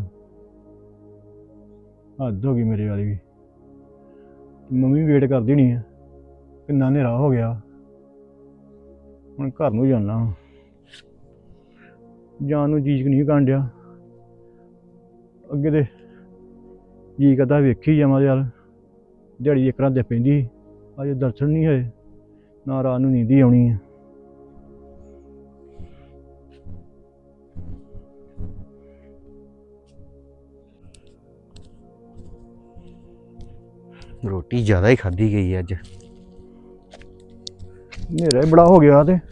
ਹੱਦ ਹੋ ਗਈ ਮੇਰੇ ਵਾਲੀ ਵੀ। ਮੰਮੀ ਵੇਟ ਕਰਦੀ ਹੋਣੀ ਆ, ਕਿੰਨਾ ਹਨੇਰਾ ਹੋ ਗਿਆ, ਹੁਣ ਘਰ ਨੂੰ ਜਾਣਾ। ਜਾਣ ਨੂੰ ਜੀਅ ਨਹੀਂ ਕਰਨ ਡਿਆ, ਅੱਗੇ ਤੇ ਜੀ ਕਰਦਾ ਵੇਖੀ ਜਾਵਾਂ ਯਾਰ, ਦਿਹਾੜੀ ਇੱਕ ਰਾਤ ਦੇ ਪੈਂਦੀ, ਅੱਜ ਦਰਸ਼ਨ ਨਹੀਂ ਹੋਏ, ਨਾ ਰਾਤ ਨੂੰ ਨੀਂਦ ਹੀ ਆਉਣੀ ਆ। ਰੋਟੀ ਜ਼ਿਆਦਾ ਹੀ ਖਾਧੀ ਗਈ ਅੱਜ। ਹਨੇਰਾ ਹੀ ਬੜਾ ਹੋ ਗਿਆ, ਤੇ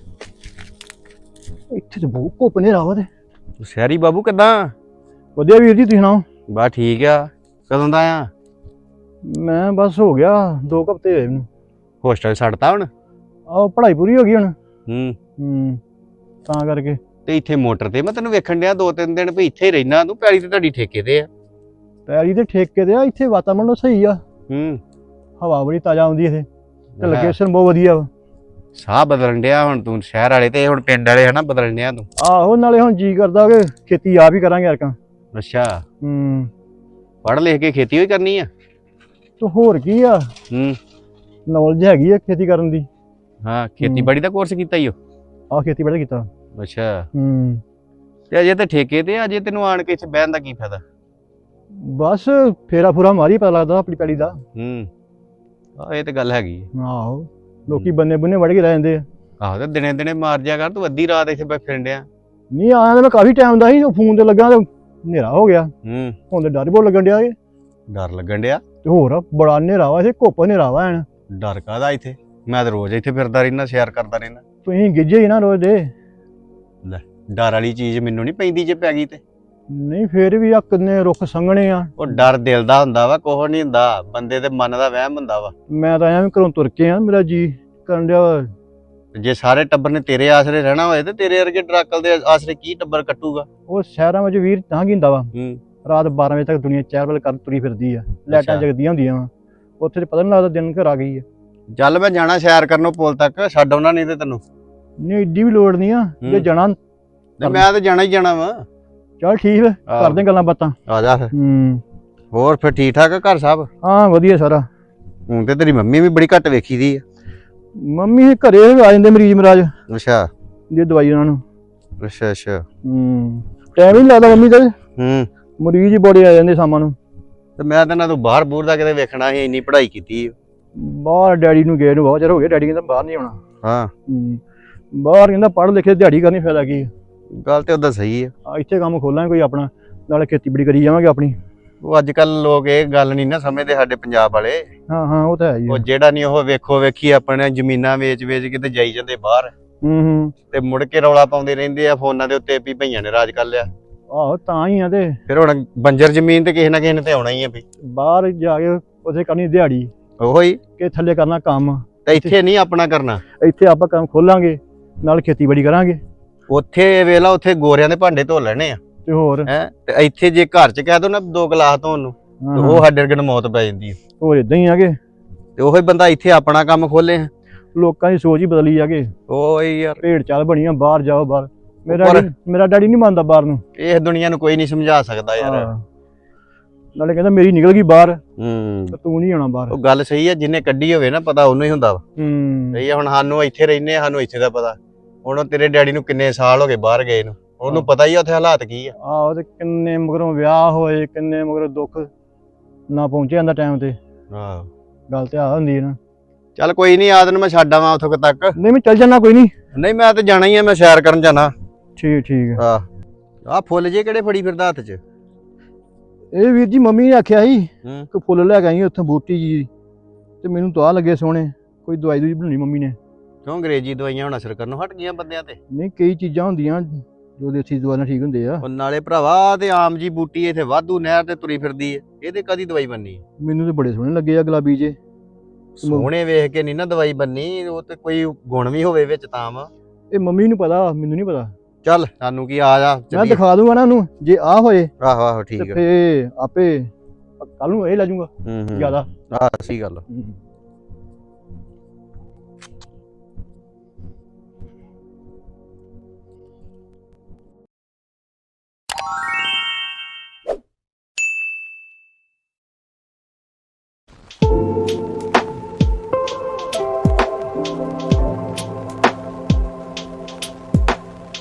ਇੱਥੇ ਤੇ ਬਹੁਤ ਘੁੱਪ ਹਨੇਰਾ ਵਾ। ਤੇ ਸ਼ਹਿਰੀ ਬਾਬੂ ਕਿੱਦਾਂ? ਵਧੀਆ ਵੀਰ ਜੀ, ਤੁਸੀਂ ਸੁਣਾਓ? ਬਸ ਠੀਕ ਆ। ਕਦੋਂ ਦਾ ਆ? ਮੈਂ ਬਸ ਹੋ ਗਿਆ ਦੋ ਕੁ ਹਫ਼ਤੇ ਹੋਏ ਮੈਨੂੰ। ਹੋਸਟਲ ਛੱਡਤਾ ਹੁਣ? ਆਹ ਪੜ੍ਹਾਈ ਪੂਰੀ ਹੋ ਗਈ ਹੁਣ। ਹੂੰ ਹੂੰ ਤਾਂ ਕਰਕੇ। ਤੇ ਇੱਥੇ ਮੋਟਰ ਤੇ ਮੈਂ ਤੈਨੂੰ ਵੇਖਣ ਡਿਆ ਦੋ ਤਿੰਨ ਦਿਨ ਵੀ ਇੱਥੇ ਹੀ ਰਹਿਣਾ ਤੂੰ, ਪੈਲੀ ਤੇ ਤੁਹਾਡੀ ਠੇਕੇ ਤੇ ਆ। ਪੈਲੀ ਤੇ ਠੇਕੇ ਤੇ ਆ, ਇੱਥੇ ਵਾਤਾਵਰਨ ਸਹੀ ਆ, ਹੂੰ ਹਵਾ ਬੜੀ ਤਾਜ਼ਾ ਆਉਂਦੀ ਇੱਥੇ, ਤੇ ਲੋਕੇਸ਼ਨ ਬਹੁਤ ਵਧੀਆ ਵਾ। ਸਾਹ ਬਦਲਣ ਡਿਆ ਹੁਣ ਤੂੰ, ਸ਼ਹਿਰ ਵਾਲੇ ਤੇ ਹੁਣ ਪਿੰਡ ਵਾਲੇ ਹਨਾ ਬਦਲਣ ਡਿਆ ਤੂੰ। ਆਹੋ ਨਾਲੇ ਹੁਣ ਜੀ ਕਰਦਾ ਕਿ ਖੇਤੀ ਆਪ ਹੀ ਕਰਾਂਗੇ ਯਾਰਕਾਂ। ਅੱਛਾ ਹੂੰ ਪੜ੍ਹ ਲਿਖ ਕੇ ਖੇਤੀ ਹੋਈ ਕਰਨੀ ਆ? ਤੇ ਹੋਰ ਕੀ ਆ, ਹੂੰ ਨੌਲੇਜ ਹੈਗੀ ਆ ਖੇਤੀ ਕਰਨ ਦੀ। ਹਾਂ ਖੇਤੀਬਾੜੀ ਦਾ ਕੋਰਸ ਕੀਤਾ ਈ ਓ? ਆਹ ਖੇਤੀਬਾੜੀ ਕੀਤਾ। ਅੱਛਾ ਹੂੰ ਤੇ ਅਜੇ ਤੇ ਠੇਕੇ ਤੇ, ਅਜੇ ਤੈਨੂੰ ਆਣ ਕੇ ਇੱਥੇ ਬਹਿਣ ਦਾ ਕੀ ਫਾਇਦਾ? ਬਸ ਫੇਰਾ ਫੂਰਾ ਮਾਰੀ, ਪਤਾ ਲੱਗਦਾ ਆਪਣੀ ਪੈਲੀ ਦਾ। ਹੂੰ ਆਹ ਇਹ ਤੇ ਗੱਲ ਹੈਗੀ ਆ। ਆਹੋ ਲੋਕੀ ਬੰਨੇ ਬੰਨੇ ਵੜ ਕੇ ਰਹਿ ਜਾਂਦੇ ਆ। ਆਹੋ ਤੇ ਦਿਨੇ ਦਿਨੇ ਮਾਰ ਜਾ ਕਰ, ਤੂੰ ਅੱਧੀ ਰਾਤ ਇੱਥੇ ਬੈ ਫਿਰਨ ਡਿਆ। ਨਹੀਂ ਆਇਆ ਤਾਂ ਮੈਂ ਕਾਫੀ ਟਾਈਮ ਦਾ ਸੀ, ਉਹ ਫੋਨ ਤੇ ਲੱਗਾ ਤੇ ਹਨੇਰਾ ਹੋ ਗਿਆ। ਹੂੰ ਹੁਣ ਤੇ ਡਰ ਬਹੁਤ ਲੱਗਣ ਡਿਆ ਏ। ਡਰ ਲੱਗਣ ਡਿਆ? ਤੇ ਹੋਰ ਬੜਾ ਹਨੇਰਾ ਵਾ ਇੱਥੇ, ਘੁੱਪ ਹਨੇਰਾ ਵਾ ਐਨ। ਡਰ ਕਾਹਦਾ ਇੱਥੇ? ਮੈਂ ਤਾਂ ਰੋਜ਼ ਇੱਥੇ ਫਿਰਦਾ ਰਹਿਣਾ, ਸੈਰ ਕਰਦਾ ਰਹਿਣਾ। ਤੁਸੀਂ ਗਿੱਜੇ ਹੀ ਨਾ ਰੋਜ਼ ਦੇ। ਲੈ ਡਰ ਵਾਲੀ ਚੀਜ਼ ਮੈਨੂੰ ਨਹੀਂ ਪੈਂਦੀ, ਜੇ ਪੈ ਗਈ ਤੇ। ਨਹੀਂ ਫੇਰ ਵੀ ਆ ਕਿੰਨੇ ਰੁੱਖ ਸੰਘਣੇ ਆ। ਉਹ ਡਰ ਦਿਲ ਦਾ ਹੁੰਦਾ ਵਾ, ਕੁਛ ਨਹੀਂ ਹੁੰਦਾ, ਬੰਦੇ ਦੇ ਮਨ ਦਾ ਵਹਿਮ ਹੁੰਦਾ ਵਾ। ਮੈਂ ਤਾਂ ਐਵੇਂ ਘਰੋਂ ਤੁਰ ਕੇ ਆ, ਮੇਰਾ ਜੀ ਕਰਨ ਡਿਆ ਵਾ। ਜੇ ਸਾਰੇ ਟੱਬਰ ਨੇ ਤੇਰੇ ਆਸਰੇ ਰਹਿਣਾ ਹੋਏ ਤੇ ਤੇਰੇ ਵਰਗੇ ਡਰਾਕਲ ਦੇ ਆਸਰੇ ਕੀ ਟੱਬਰ ਕੱਟੂਗਾ? ਉਹ ਸ਼ਹਿਰਾਂ ਵਿੱਚ ਵੀਰ ਤਾਂ ਕੀ ਹੁੰਦਾ ਵਾ, ਹੂੰ ਰਾਤ ਬਾਰਾਂ ਵਜੇ ਤੱਕ ਦੁਨੀਆ ਚਹਿਲ ਵੱਲ ਕਰ ਤੁਰੀ ਫਿਰਦੀ ਆ, ਲਾਈਟਾਂ ਅੱਛਾ। ਜਗਦੀਆਂ ਹੁੰਦੀਆਂ ਵਾ, ਉੱਥੇ ਤੇ ਪਤਾ ਨਹੀਂ ਲੱਗਦਾ ਦਿਨ ਘਰ ਆ ਗਈ ਆ। ਚੱਲ ਮੈਂ ਜਾਣਾ ਸੈਰ ਕਰਨੋਂ ਪੁੱਲ ਤੱਕ, ਛੱਡ ਆਉਣਾ ਨਹੀਂ ਤੇ ਤੈਨੂੰ। ਨਹੀਂ ਏਡੀ ਵੀ ਲੋੜ ਨਹੀਂ ਆ, ਜੇ ਹੂੰ। ਜਾਣਾ। ਤੇ ਮੈਂ ਤੇ ਜਾਣਾ ਹੀ ਜਾਣਾ ਵਾ। ਚੱਲ ਠੀਕ ਹੈ, ਆਹੋ। ਕਰਦੇ ਗੱਲਾਂ ਬਾਤਾਂ। ਆ ਜਾ ਫਿਰ। ਹੂੰ ਹੋਰ ਫਿਰ ਠੀਕ ਠਾਕ ਆ ਘਰ ਸਭ? ਹਾਂ ਵਧੀਆ ਸਾਰਾ। ਹੁਣ ਤੇ ਤੇਰੀ ਮੰਮੀ ਵੀ ਬੜੀ ਘੱਟ ਵੇਖੀ ਦੀ ਆ। ਮੰਮੀ ਘਰੇ ਆ ਜਾਂਦੇ ਮਰੀਜ਼ ਮਰਾਜ, ਅੱਛਾ ਦੇ ਦਵਾਈ ਉਹਨਾਂ ਨੂੰ। ਅੱਛਾ ਅੱਛਾ ਹੂੰ ਟਾਈਮ ਹੀ ਨਹੀਂ ਲੱਗਦਾ ਮੰਮੀ ਦਾ, ਹੂੰ ਮਰੀਜ਼ ਹੀ ਬੜੇ ਆ ਜਾਂਦੇ ਸ਼ਾਮਾਂ ਨੂੰ। ਤੇ ਮੈਂ ਤਾਂ ਨਾ ਤੂੰ ਬਾਹਰ ਬੂਰ ਦਾ ਕਿਤੇ ਵੇਖਣਾ ਸੀ, ਇੰਨੀ ਪੜ੍ਹਾਈ ਕੀਤੀ ਆ। ਬਾਹਰ ਡੈਡੀ ਨੂੰ ਗਏ ਨੂੰ ਬਹੁਤ ਚਿਰ ਹੋ ਗਿਆ, ਡੈਡੀ ਕਹਿੰਦਾ ਬਾਹਰ ਨਹੀਂ ਆਉਣਾ। ਹਾਂ ਹੂੰ। ਬਾਹਰ ਕਹਿੰਦਾ ਪੜ੍ਹ ਲਿਖੇ ਦਿਹਾੜੀ ਕਰਨੀ ਫਾਇਦਾ ਕੀ ਆ? ਗੱਲ ਤੇ ਉਹਦਾ ਸਹੀ ਹੈ। ਆ ਇੱਥੇ ਕੰਮ ਖੋਲਾਂਗੇ ਕੋਈ ਆਪਣਾ, ਨਾਲੇ ਖੇਤੀਬਾੜੀ ਕਰੀ ਜਾਵਾਂਗੇ ਆਪਣੀ। ਉਹ ਅੱਜ ਕੱਲ ਲੋਕ ਇਹ ਗੱਲ ਨਹੀਂ ਨਾ ਸਮਝਦੇ ਸਾਡੇ ਪੰਜਾਬ ਵਾਲੇ। ਹਾਂ ਹਾਂ ਉਹ ਤਾਂ ਹੈ ਹੀ ਉਹ ਆ। ਜਿਹੜਾ ਨਹੀਂ ਉਹ ਵੇਖੋ ਵੇਖੀ ਆਪਣੇ ਜ਼ਮੀਨਾਂ ਵੇਚ ਵੇਚ ਕੇ ਤੇ ਜਾਈ ਜਾਂਦੇ ਬਾਹਰ, ਹੂੰ ਹੂੰ। ਤੇ ਮੁੜ ਕੇ ਰੌਲਾ ਪਾਉਂਦੇ ਰਹਿੰਦੇ ਆ ਫੋਨਾਂ ਦੇ ਉੱਤੇ ਵੀ ਭਈਆਂ ਨੇ ਰਾਜ ਕਰ ਲਿਆ। ਆਹੋ ਤਾਂ ਹੀ ਆ ਤੇ ਫਿਰ ਹੁਣ ਬੰਜਰ ਜ਼ਮੀਨ ਤੇ ਕਿਸੇ ਨਾ ਕਿਸੇ ਨੇ ਤੇ ਆਉਣਾ ਹੀ ਆ ਵੀ। ਬਾਹਰ ਜਾ ਕੇ ਉੱਥੇ ਕਰਨੀ ਦਿਹਾੜੀ, ਉਹੋ ਹੀ ਕਿ ਥੱਲੇ ਕਰਨਾ ਕੰਮ। ਤੇ ਇੱਥੇ ਨਹੀਂ ਆਪਣਾ ਕਰਨਾ। ਇੱਥੇ ਆਪਾਂ ਕੰਮ ਖੋਲਾਂਗੇ, ਨਾਲ ਖੇਤੀਬਾੜੀ ਕਰਾਂਗੇ। ਉੱਥੇ ਵੇਲਾ ਉੱਥੇ ਗੋਰਿਆਂ ਦੇ ਭਾਂਡੇ ਧੋ ਲੈਣੇ ਆ ਤੇ ਹੋਰ ਹੈ, ਤੇ ਇੱਥੇ ਜੇ ਘਰ ਚ ਕਹਿ ਦੋ ਨਾ ਦੋ ਗਲਾਸ ਧੋਣ ਨੂੰ, ਹਾਂ, ਤੇ ਉਹ ਸਾਡੇ ਵਰਗੇ ਨੂੰ ਮੌਤ ਪੈ ਜਾਂਦੀ ਹੈ। ਹੋਰ ਇਦਾਂ ਹੀ ਆਗੇ, ਤੇ ਉਹੀ ਬੰਦਾ ਇੱਥੇ ਆਪਣਾ ਕੰਮ ਖੋਲੇ। ਲੋਕਾਂ ਦੀ ਸੋਚ ਹੀ ਬਦਲੀ ਜਾਗੇ। ਉਹ ਯਾਰ ਭੇਡ ਚਾਲ ਬਣੀਆਂ, ਬਾਹਰ ਜਾਓ ਬਾਹਰ। ਮੇਰਾ ਪਰ- ਡੈਡੀ ਮੇਰਾ ਡੈਡੀ ਨਹੀਂ ਮੰਨਦਾ ਬਾਹਰ ਨੂੰ। ਇਹ ਦੁਨੀਆ ਨੂੰ ਕੋਈ ਨਹੀਂ ਸਮਝਾ ਸਕਦਾ ਯਾਰ। ਹਾਂ। ਨਾਲੇ ਕਹਿੰਦਾ ਮੇਰੀ ਨਿਕਲ ਗਈ ਬਾਹਰ, ਹੂੰ ਤੇ ਤੂੰ ਨਹੀਂ ਆਉਣਾ ਬਾਹਰ। ਉਹ ਗੱਲ ਸਹੀ ਹੈ, ਜਿਹਨੇ ਕੱਢੀ ਹੋਵੇ ਨਾ ਪਤਾ ਉਹਨੂੰ ਹੀ ਹੁੰਦਾ ਵਾ। ਹੂੰ। ਸਹੀ ਆ, ਹੁਣ ਸਾਨੂੰ ਇੱਥੇ ਰਹਿੰਦੇ ਆ, ਸਾਨੂੰ ਇੱਥੇ ਦਾ ਪਤਾ। ਹੁਣ ਤੇਰੇ ਡੈਡੀ ਨੂੰ ਕਿੰਨੇ ਸਾਲ ਹੋ ਗਏ ਬਾਹਰ ਗਏ ਨੂੰ, ਉਹਨੂੰ ਪਤਾ ਹੀ ਆ ਉੱਥੇ ਹਾਲਾਤ ਕੀ ਆ। ਆਹੋ ਤੇ ਕਿੰਨੇ ਮਗਰੋਂ ਵਿਆਹ ਹੋਏ, ਕਿੰਨੇ ਮਗਰੋਂ ਦੁੱਖ ਨਾ ਪਹੁੰਚਿਆ ਜਾਂਦਾ ਟਾਈਮ ਤੇ। ਹਾਂ ਗੱਲ ਤੇ ਆ ਹੁੰਦੀ ਹੈ ਨਾ। ਚੱਲ ਕੋਈ ਨਹੀਂ, ਆਦ ਨੂੰ ਮੈਂ ਛੱਡ ਆਵਾਂ ਉੱਥੋਂ ਕੁ ਤੱਕ। ਨਹੀਂ ਮੈਂ ਚੱਲ ਜਾਣਾ, ਕੋਈ ਨਹੀਂ। ਨਹੀਂ ਮੈਂ ਤੇ ਜਾਣਾ ਹੀ ਆ, ਮੈਂ ਸੈਰ ਕਰਨ ਜਾਣਾ। ਠੀਕ ਠੀਕ ਹੈ। ਆ ਆ ਫੁੱਲ ਜੇ ਕਿਹੜੇ ਫੜੀ ਫਿਰਦਾ ਹੱਥ 'ਚ? ਇਹ ਵੀਰ ਜੀ ਮੰਮੀ ਨੇ ਆਖਿਆ ਸੀ ਹੂੰ ਕਿ ਫੁੱਲ ਲੈ ਕੇ ਆਈ ਉੱਥੋਂ ਬੂਟੀ ਜੀ, ਤੇ ਮੈਨੂੰ ਤਾਂ ਆ ਲੱਗੇ ਸੋਹਣੇ। ਕੋਈ ਦਵਾਈ ਦੂਈ ਬਣਾਉਣੀ ਮੰਮੀ ਨੇ। ਕਿਉਂ ਅੰਗਰੇਜ਼ੀ ਦਵਾਈਆਂ ਹੁਣ ਅਸਰ ਕਰਨੋਂ ਹਟ ਗਈਆਂ ਬੰਦਿਆਂ ਤੇ? ਨਹੀਂ ਕਈ ਚੀਜ਼ਾਂ ਹੁੰਦੀਆਂ ਜੋ ਦੇਸੀ ਦਵਾਈ ਨਾਲ ਠੀਕ ਹੁੰਦੇ ਆ। ਉਹ ਨਾਲੇ ਭਰਾਵਾ ਤੇ ਆਮ ਜੀ ਬੂਟੀ ਇੱਥੇ ਵਾਧੂ ਨਹਿਰ ਤੇ ਤੁਰੀ ਫਿਰਦੀ ਏ, ਇਹਦੇ ਕਦੀ ਦਵਾਈ ਬੰਨੀ? ਮੈਨੂੰ ਤੇ ਬੜੇ ਸੋਹਣੇ ਲੱਗੇ ਆ ਗੁਲਾਬੀ ਜੇ। ਸੋਹਣੇ ਵੇਖ ਕੇ ਨਹੀਂ ਨਾ ਦਵਾਈ ਬੰਨੀ, ਉਹ ਤੇ ਕੋਈ ਗੁਣ ਵੀ ਹੋਵੇ ਵਿੱਚ ਤਾਂ ਵਾ। ਇਹ ਮੰਮੀ ਨੂੰ ਪਤਾ, ਮੈਨੂੰ ਨਹੀਂ ਪਤਾ। ਚੱਲ ਸਾਨੂੰ ਕੀ, ਆ ਜਾ ਮੈਂ ਚੱਲੀਏ। ਦਿਖਾ ਦੂੰਗਾ ਨਾ ਉਹਨੂੰ, ਜੇ ਆ ਹੋਏ ਆਹੋ ਆਹੋ ਤੇ ਠੀਕ ਹੈ। ਫੇ ਆਪੇ ਕੱਲ ਨੂੰ ਇਹ ਲੈ ਜਾਊਗਾ ਹੂੰ ਹੂੰ ਜ਼ਿਆਦਾ। ਆਹ ਸਹੀ ਗੱਲ ਆ। ਹੂੰ।